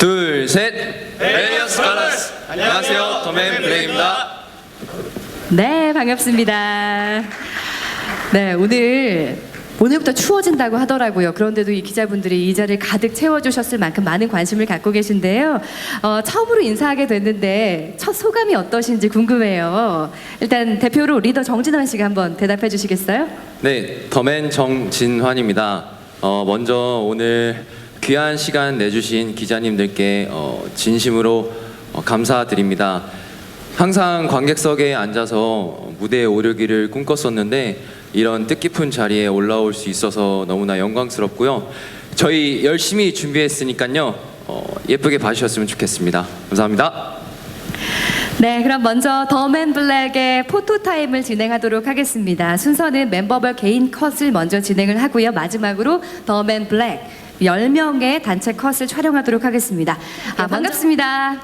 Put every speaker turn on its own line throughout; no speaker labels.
둘, 셋. 벨리어스 칼라스. 안녕하세요, 더맨 블랙입니다.
네, 반갑습니다. 네, 오늘부터 추워진다고 하더라고요. 그런데도 이 기자분들이 이 자리를 가득 채워주셨을 만큼 많은 관심을 갖고 계신데요. 처음으로 인사하게 됐는데 첫 소감이 어떠신지 궁금해요. 일단 대표로 리더 정진환 씨가 한번 대답해 주시겠어요?
네, 더맨 정진환입니다. 먼저 오늘 귀한 시간 내주신 기자님들께 진심으로 감사드립니다. 항상 관객석에 앉아서 무대에 오르기를 꿈꿨었는데 이런 뜻깊은 자리에 올라올 수 있어서 너무나 영광스럽고요. 저희 열심히 준비했으니까요. 예쁘게 봐주셨으면 좋겠습니다. 감사합니다.
네, 그럼 먼저 더맨 블랙의 포토타임을 진행하도록 하겠습니다. 순서는 멤버별 개인 컷을 먼저 진행을 하고요. 마지막으로 더맨 블랙 10명의 단체 컷을 촬영하도록 하겠습니다. 반갑습니다.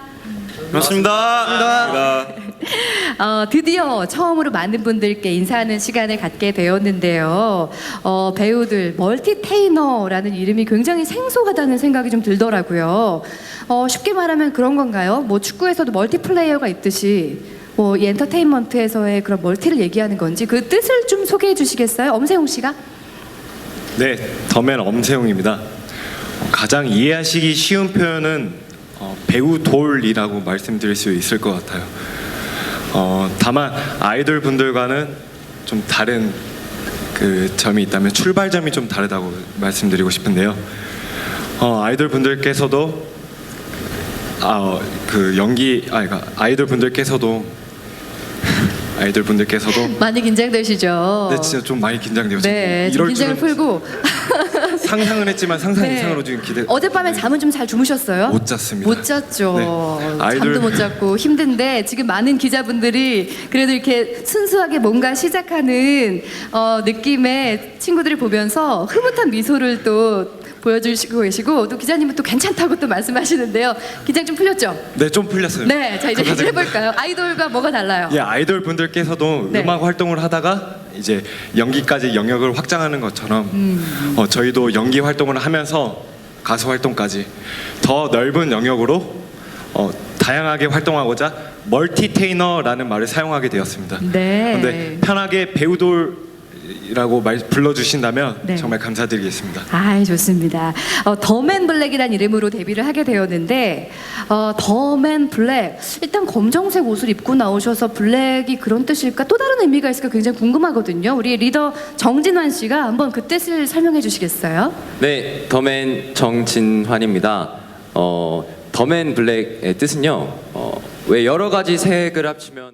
반갑습니다.
드디어 처음으로 많은 분들께 인사하는 시간을 갖게 되었는데요. 배우들 멀티테이너라는 이름이 굉장히 생소하다는 생각이 좀 들더라고요. 쉽게 말하면 그런 건가요? 뭐 축구에서도 멀티플레이어가 있듯이 이 엔터테인먼트에서의 그런 멀티를 얘기하는 건지 그 뜻을 좀 소개해 주시겠어요? 엄세용 씨가?
네, 더맨 엄세용입니다. 가장 이해하시기 쉬운 표현은 배우 돌이라고 말씀드릴 수 있을 것 같아요. 다만 아이돌 분들과는 좀 다른 그 점이 있다면 출발점이 좀 다르다고 말씀드리고 싶은데요. 아이돌 분들께서도 아이돌 분들께서도
많이 긴장되시죠?
네, 진짜 좀 많이 긴장돼요.
네,
지금
좀 긴장을 풀고
상상은 했지만 상상
네.
이상으로 지금 기대.
어젯밤에 잠은 좀 잘 주무셨어요?
못 잤습니다.
못 잤죠.
네.
잠도 못 잤고 힘든데 지금 많은 기자분들이 그래도 이렇게 순수하게 뭔가 시작하는 느낌의 친구들을 보면서 흐뭇한 미소를 또 보여주시고 계시고 또 기자님은 또 괜찮다고 또 말씀하시는데요. 긴장 좀 풀렸죠?
네, 좀 풀렸어요.
네, 자 이제
감사드립니다.
해볼까요? 아이돌과 뭐가 달라요?
예, 아이돌 분들께서도
네.
음악 활동을 하다가 이제 연기까지 영역을 확장하는 것처럼 저희도 연기 활동을 하면서 가수 활동까지 더 넓은 영역으로 다양하게 활동하고자 멀티테이너라는 말을 사용하게 되었습니다.
네.
근데 편하게 배우돌이라고 불러주신다면
네.
정말 감사드리겠습니다.
좋습니다. 더맨 블랙이라는 이름으로 데뷔를 하게 되었는데 더맨 블랙 일단 검정색 옷을 입고 나오셔서 블랙이 그런 뜻일까 또 다른 의미가 있을까 굉장히 궁금하거든요. 우리 리더 정진환 씨가 한번 그 뜻을 설명해 주시겠어요?
네, 더맨 정진환입니다. 더맨 블랙의 뜻은요. 왜 여러 가지 색을 합치면